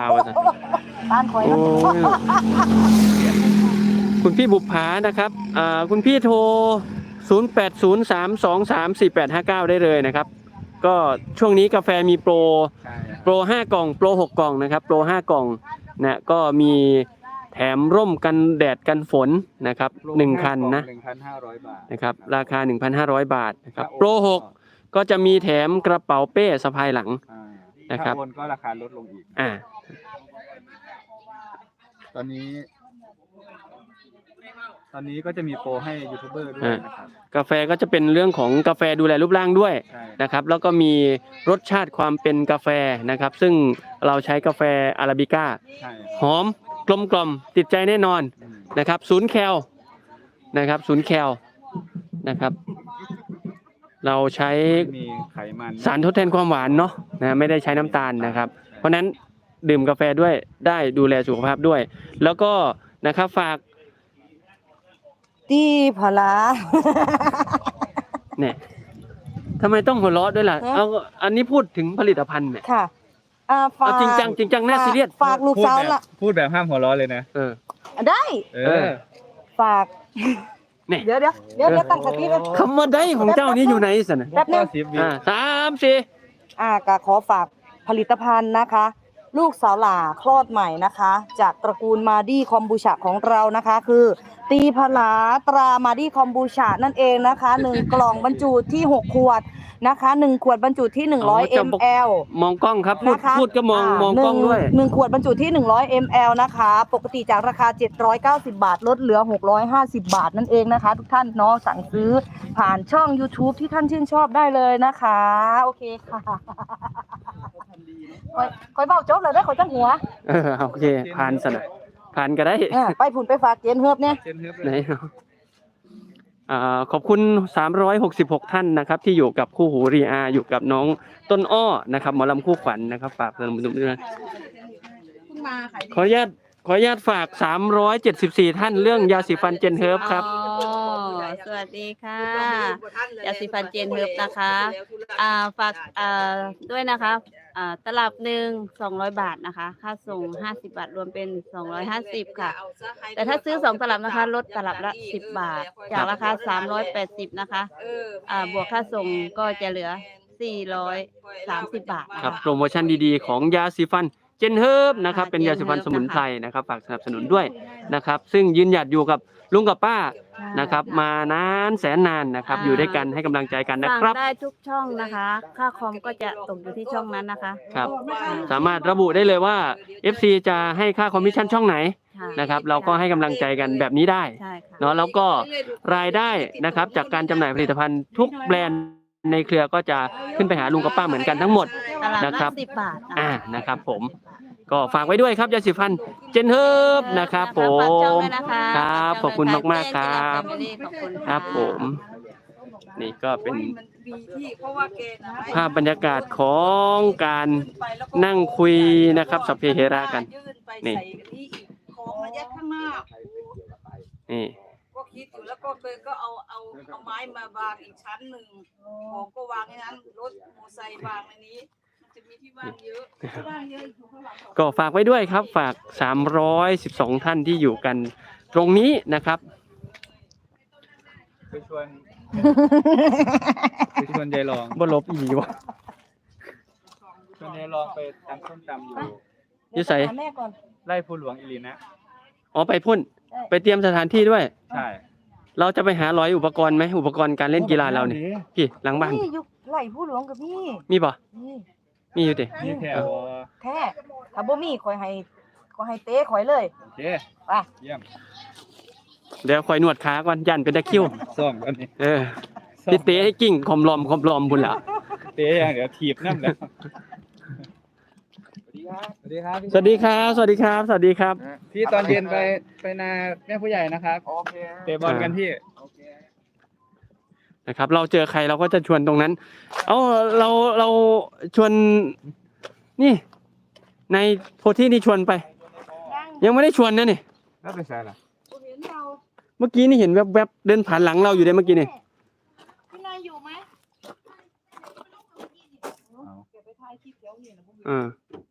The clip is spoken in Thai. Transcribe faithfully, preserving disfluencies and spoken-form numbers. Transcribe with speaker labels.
Speaker 1: บ้านคอยนะ
Speaker 2: คุณพี่บุปผานะครับอ่าคุณพี่โทรศูนย์ แปด ศูนย์ สาม สอง สาม สี่ แปด ห้า เก้าได้เลยนะครับก็ช่วงนี้กาแฟมีโปรโปรห้ากล่องโปรหกกล่องนะครับโปรห้ากล่องนะก็มีแถมร่มกันแดดกันฝนนะครับหนึ่งคันนะ
Speaker 3: หนึ่งพันห้าร้อย บาท
Speaker 2: นะครับราคา หนึ่งพันห้าร้อย บาทนะครับโปรหกก็จะมีแถมกระเป๋าเป้สะพายหลังนะครับ
Speaker 3: ถ้าโอนก็ราคาลดลงอีก
Speaker 2: อ่า
Speaker 3: ตอนนี้ตอนนี้ก็จะมีโปรให้ยูทูบเบอร์ด้วยนะครับ
Speaker 2: กาแฟก็จะเป็นเรื่องของกาแฟดูแลรูปร่างด้วยนะครับแล้วก็มีรสชาติความเป็นกาแฟนะครับซึ่งเราใช้กาแฟอาราบิก้าหอมกลมกล่อมติดใจแน่นอนนะครับศูนย์แคลนะครับศูนย์แคลนะครับเราใช้
Speaker 3: มีไขมัน
Speaker 2: สารทดแทนความหวานเนาะนะไม่ได้ใช้น้ำตาลนะครับเพราะนั้นดื่มกาแฟด้วยได้ดูแลสุขภาพด้วยแล้วก็นะครับฝาก
Speaker 1: ตีพลา
Speaker 2: เนี่ยทำไมต้องหัวเราะด้วยล่ะเอาอันนี้พูดถึงผลิตภัณฑ์เนี่ย
Speaker 1: ค่ะอ่าฝาก
Speaker 2: จริงจังจริงจังน่าซีเรียส
Speaker 1: ฝากลูกสาวละ
Speaker 3: พูดแบบห้ามหัวเราะเลยนะ
Speaker 2: เออ
Speaker 1: ได้
Speaker 3: เออ
Speaker 1: ฝากเดี๋ยวเดี๋ยวเดี๋ยวเดี๋ยวตั้งสติเลย
Speaker 2: คำว่าได้ของเจ้านี้อยู่ไหนสินะ
Speaker 1: แป๊บนึง
Speaker 2: อ่าสามสี่
Speaker 1: อ่าก็ขอฝากผลิตภัณฑ์นะคะลูกสาวหล่าคลอดใหม่นะคะจากตระกูลมาดี้คอมบูชาของเรานะคะคือตีผลาตรามาดี้คอมบูชานั่นเองนะคะหนึ่งกล่องบรรจุที่หกขวดนะคะหนึ่งขวดบรรจุที่หนึ่งร้อยมิลลิลิตร
Speaker 2: มองกล้องครับพูดพูดก็มองมองกล้องด้วย
Speaker 1: หนึ่งขวดบรรจุที่หนึ่งร้อยมิลลิลิตร นะคะปกติจากราคาเจ็ดร้อยเก้าสิบบาทลดเหลือหกร้อยห้าสิบบาทนั่นเองนะคะทุกท่านเนาะสั่งซื้อผ่านช่อง YouTube ที่ท่านชื่นชอบได้เลยนะคะโอเคค่ะคอยคอยเบาจบเลยได้คอยตั้งหัว
Speaker 2: เออโอเคผ่านสนะผ่านก็ได้
Speaker 1: ไปผุนไปฝากเจนเฮิบเนี่ย
Speaker 2: ไหนอ่าขอบคุณสามร้อยหกสิบหกท่านนะครับที่อยู่กับคู่หูรีอาอยู่กับน้องต้นอ้อนะครับหมอลำคู่ขวัญ นะครับฝากเติมดูด้วยขออนุญาตขออนุญาตฝากสามร้อยเจ็ดสิบสี่ท่านเรื่องยาสีฟันเจนเฮิร์บครับ
Speaker 4: สวัสดีค่ะยาสีฟันเจนเฮิร์บนะคะอ่าฝากอ่าด้วยนะคะอ่าตลับหนึ่งสองร้อยบาทนะคะค่าส่งห้าสิบบาทรวมเป็นสองร้อยห้าสิบค่ะแต่ถ้าซื้อสองตลับนะคะลดตลับละสิบบาทจากราคาสามร้อยแปดสิบนะคะอ่าบวกค่าส่งก็จะเหลือสี่ร้อยสามสิบบาท
Speaker 2: ครับโปรโมชั่นดีๆของยาสีฟันเจนเฮิร์บนะครับเป็นยาสีฟันสมุนไพรนะครับฝากสนับสนุนด้วยนะครับซึ่งยืนหยัดอยู่กับลุงกับป้านะครับมานานแสนนานนะครับอยู่ด้วยกันให้กำลังใจกันนะครับ
Speaker 4: ได้ทุกช่องนะคะค่าคอมก็จะตกอยู่ที่ช่องนั้นนะคะ
Speaker 2: ครับสามารถระบุได้เลยว่า เอฟ ซี จะให้ค่าคอมมิชชั่นช่องไหนนะครับเราก็ให้กำลังใจกันแบบนี้ได้เนาะแล้วก็รายได้นะครับจากการจำหน่ายผลิตภัณฑ์ทุกแบรนด์ในเครือก็จะขึ้นไปหาลุงกับป้าเหมือนกันทั้งหมดนะครับอ่านะครับผมก็ฝากไว้ด้วยครับยาสีฟันเจนเฮิร์บนะครับผมครับขอบคุณมากๆครับครับผมนี่ก็เป็นภาพบรรยากาศของการนั่งคุยนะครับสัพเพเหระกันนี่นี่
Speaker 5: ก็คิดอยู่แล้วก็เลยก็เอาเอาเอาไม้มาวางอีกชั้นหนึ่งของก็วางในนั้นรถมอไซค์วางในนี้จะมีที่ว่างเยอะว่างเยอะอยู่ข้างหลัง
Speaker 2: ก็ฝากไว้ด้วยครับฝากสามร้อยสิบสองท่านที่อยู่กันตรงนี้นะครับ
Speaker 3: ไปชวนไปชวนยายรอง
Speaker 2: บ่ลบอีวะ
Speaker 3: ชวนยายรองไปตำส้มตำอยู่
Speaker 2: ยี่ใส่
Speaker 3: ไล่ผู้หลวงอิลีนะ
Speaker 2: อ๋อไปพุ่นไปเตรียมสถานที่ด้วย
Speaker 3: ใช่
Speaker 2: เราจะไปหาร้อยอุปกรณ์ไหมอุปกรณ์การเล่นกีฬาเราเนี่ยพี่หลังบ้าน
Speaker 1: ไล่ผู้หลวงกับพี่
Speaker 2: มีป่ะมีอยู่ดิ
Speaker 3: มีแค่
Speaker 1: แค่ถ้าบ่มีคอยให้คอยให้เตะคอยเลย
Speaker 3: โอเค
Speaker 1: ไป
Speaker 3: เยี่ยม
Speaker 2: เดี๋ยวคอยนวดขาก่อนยันเป็นตะคิว
Speaker 3: ซ่อมกันนี่
Speaker 2: เออพี่เตะให้กิ่งคอมลอมคอมลอมบุญละ
Speaker 3: เตะอย่างเดี๋ยวถีบน้ำแล้วสวัสดีครับ
Speaker 2: สวัสดีครับสวัสดีครับสวัสดีครับ
Speaker 3: พี่ตอนเย็นไปไปนาแม่ผู้ใหญ่นะครับโอเคเตะบอลกันพี่
Speaker 2: นะครับเราเจอใครเราก็จะชวนตรงนั้นเอ้าเราเราชวนนี่ในโพธินี่ชวนไปยังไม่ได้ชวนนะนี่
Speaker 3: แล้วเป็นไงล่ะ
Speaker 2: เมื่อกี้นี่เห็นแวบๆเดินผ่านหลังเราอยู่ได้เมื่อกี้นี่
Speaker 5: พี่นายอยู่ไหม
Speaker 2: อ่า